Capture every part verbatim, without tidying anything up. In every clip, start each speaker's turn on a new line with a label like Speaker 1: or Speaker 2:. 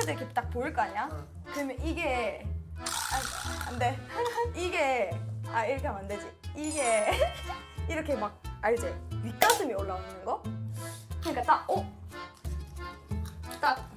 Speaker 1: 상체도 이렇게 딱 보일 거 아니야?
Speaker 2: 응.
Speaker 1: 그러면 이게 아, 안 돼. 이게 아 이렇게 하면 안 되지. 이게 이렇게 막 알지? 윗가슴이 올라오는 거? 그러니까 딱 어? 딱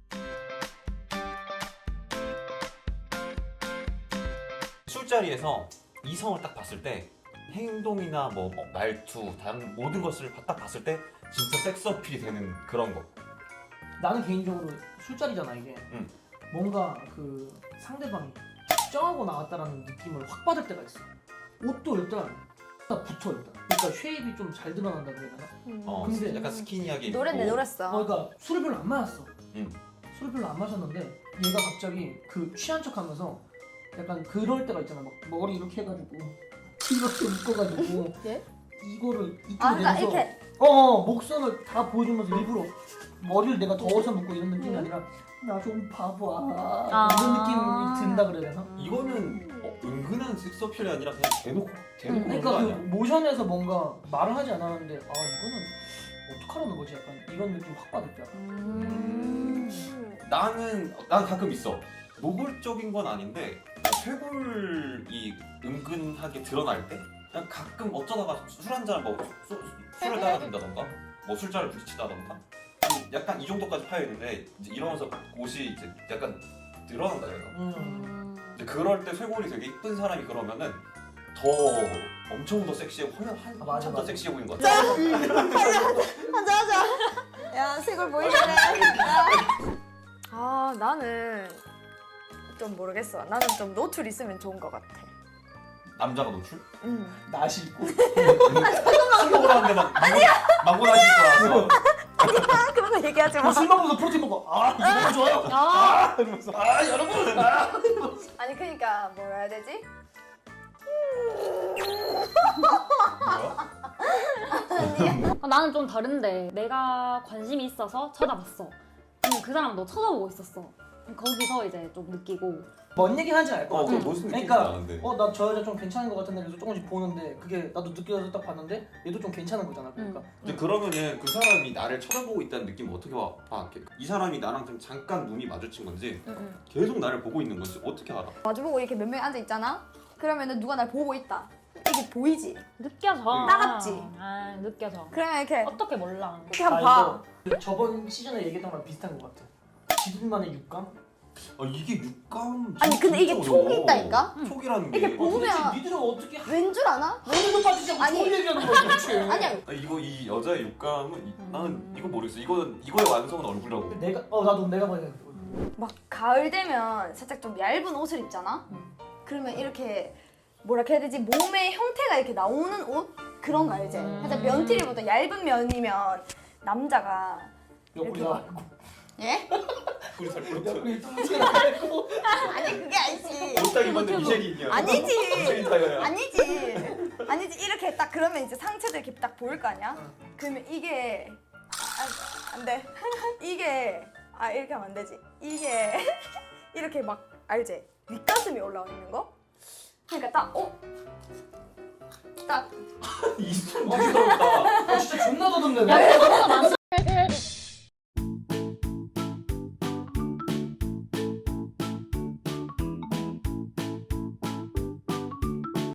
Speaker 3: 술자리에서 이성을 딱 봤을 때 행동이나 뭐 말투, 다른 모든 것을 딱 봤을 때 진짜 섹스 어필이 되는 그런 거.
Speaker 2: 나는 개인적으로 술자리잖아 이게.
Speaker 3: 응.
Speaker 2: 뭔가 그 상대방이 걱정하고 나왔다라는 느낌을 확 받을 때가 있어. 옷도 일단 딱 붙어 일단. 그러니까 쉐입이 좀 잘 드러난다 그래야 되나?
Speaker 1: 음.
Speaker 3: 어,
Speaker 2: 근데
Speaker 3: 약간 스키니하게 입고.
Speaker 1: 노랬네 노랬어.
Speaker 2: 어, 그러니까 술을 별로 안 마셨어.
Speaker 3: 응.
Speaker 2: 술을 별로 안 마셨는데 얘가 갑자기 그 취한 척하면서 약간 그럴 때가 있잖아. 막 머리 이렇게 해가지고 이렇게 묶어가지고
Speaker 1: 예?
Speaker 2: 이거를 이쪽에
Speaker 1: 아 그러니까
Speaker 2: 내면서
Speaker 1: 이렇게
Speaker 2: 어, 어 목선을 다 보여주면서 일부러 머리를 내가 더워서 묶고 이런 느낌이
Speaker 1: 음.
Speaker 2: 아니라 나 좀 봐봐
Speaker 4: 아.
Speaker 2: 이런 느낌이 든다 그래야 되나?
Speaker 3: 이거는 어, 은근한 섹스 어필이 아니라 그냥 대놓고 대놓고 그런
Speaker 2: 그러니까
Speaker 3: 거
Speaker 2: 그
Speaker 3: 아니야?
Speaker 2: 모션에서 뭔가 말을 하지 않았는데 아 이거는 어떡하라는 거지 약간 이런 느낌 확 받을 때
Speaker 1: 음.
Speaker 3: 나는 난 가끔 있어. 노골적인 건 아닌데 쇄골이 은근하게 드러날 때 그냥 가끔 어쩌다가 술 한잔 뭐 수- 수- 술을 따라준다던가 뭐 술자를 부딪히다던가 좀 약간 이 정도까지 파여 있는데 이제 이러면서 옷이 이제 약간 드러난다 얘가.
Speaker 2: 음.
Speaker 3: 이제 그럴 때 쇄골이 되게 이쁜 사람이 그러면은 더 엄청 더 섹시하고 한, 한,
Speaker 2: 아, 맞아,
Speaker 3: 한참 더
Speaker 2: 맞아.
Speaker 3: 섹시해 보이는 것 같아.
Speaker 1: 하자 하자. 야 쇄골 보이네. 아 나는 좀 모르겠어. 나는 좀 노출 있으면 좋은 것 같아.
Speaker 3: 남자가 노출?
Speaker 1: 음.
Speaker 2: 나시 있고
Speaker 3: 술 먹으러 왔는데 막 아니야 망고 나실 거라서.
Speaker 1: 아 그런 거 얘기하지 마.
Speaker 2: 술 먹으면서 프로틴 먹어 아 이거 너무 좋아요
Speaker 4: 아,
Speaker 2: 아 이러면서 아 여러분 아
Speaker 1: 아니 그러니까 뭐라 해야 되지?
Speaker 3: 뭐야?
Speaker 4: 아, 나는 좀 다른데 내가 관심이 있어서 쳐다봤어. 근데 그 사람 너 쳐다보고 있었어. 거기서 이제 좀 느끼고
Speaker 2: 뭔 얘기 하는지 알 것
Speaker 3: 어,
Speaker 2: 같아
Speaker 3: 그 무슨 느낌이
Speaker 2: 그러니까
Speaker 3: 나는데.
Speaker 2: 어 나 저 여자 좀 괜찮은 것 같은데 그래서 조금씩 보는데 그게 나도 느껴서 딱 봤는데 얘도 좀 괜찮은 거잖아 그러니까
Speaker 3: 이제 그러면은 그 사람이 나를 쳐다보고 있다는 느낌 어떻게 와? 봐? 이 사람이 나랑 좀 잠깐 눈이 마주친 건지
Speaker 1: 응, 응.
Speaker 3: 계속 나를 보고 있는 건지 어떻게 알아?
Speaker 1: 마주보고 이렇게 몇 명이 앉아 있잖아. 그러면은 누가 날 보고 있다. 이게 보이지?
Speaker 4: 느껴져.
Speaker 1: 따갑지?
Speaker 4: 아, 느껴져.
Speaker 1: 그러면 이렇게
Speaker 4: 어떻게 몰라?
Speaker 1: 이렇게 한번 봐.
Speaker 2: 이거 저번 시즌에 얘기했던 거랑 비슷한 것 같아 지들만의 육감?
Speaker 3: 아 이게 육감.
Speaker 1: 아니, 근데 이게
Speaker 3: 진짜
Speaker 1: 촉이
Speaker 3: 어려워.
Speaker 1: 있다니까?
Speaker 3: 촉이라는 게.
Speaker 1: 이렇게 보면-
Speaker 2: 도대체 니들은 어떻게
Speaker 1: 왠 줄 아나?
Speaker 2: 너희도 빠지지 않고
Speaker 1: 아니.
Speaker 2: 촉 얘기하는 거야 도대체
Speaker 1: 아니야.
Speaker 3: 아, 이거 이 여자의 육감은 이-
Speaker 4: 음.
Speaker 3: 나는 이거 모르겠어. 이거 이거의 완성은 얼굴이라고.
Speaker 2: 내가 어 나도 내가 봐야 돼
Speaker 1: 막 가을 되면 살짝 좀 얇은 옷을 입잖아?
Speaker 2: 음.
Speaker 1: 그러면 이렇게 뭐라 해야 되지? 몸의 형태가 이렇게 나오는 옷? 그런 거 알지?
Speaker 4: 음.
Speaker 1: 살짝 면티리보다 얇은 면이면 남자가
Speaker 2: 옆구리
Speaker 1: 이렇게
Speaker 2: 나가고
Speaker 1: 예?
Speaker 3: 우리 살 뿌렸어.
Speaker 2: 옆구리 뚱뚱이 나가고
Speaker 1: 아니 그게 아니지.
Speaker 3: 옷딱 입었는데 미쉐린이야.
Speaker 1: 아니지.
Speaker 3: 미쉐린 타이어야.
Speaker 1: 아니지. 아니지. 이렇게 딱 그러면 이제 상체도 이렇게 딱 보일 거 아니야?
Speaker 2: 응.
Speaker 1: 그러면 이게 아, 안 돼. 이게 아 이렇게 하면 안 되지. 이게 이렇게 막 알지? 윗가슴이 올라오는 거? 그러니까 딱 어? 딱
Speaker 3: 이순 무서웠다.
Speaker 2: 아 진짜 존나 더듬네
Speaker 4: 야, 그거보다 많지.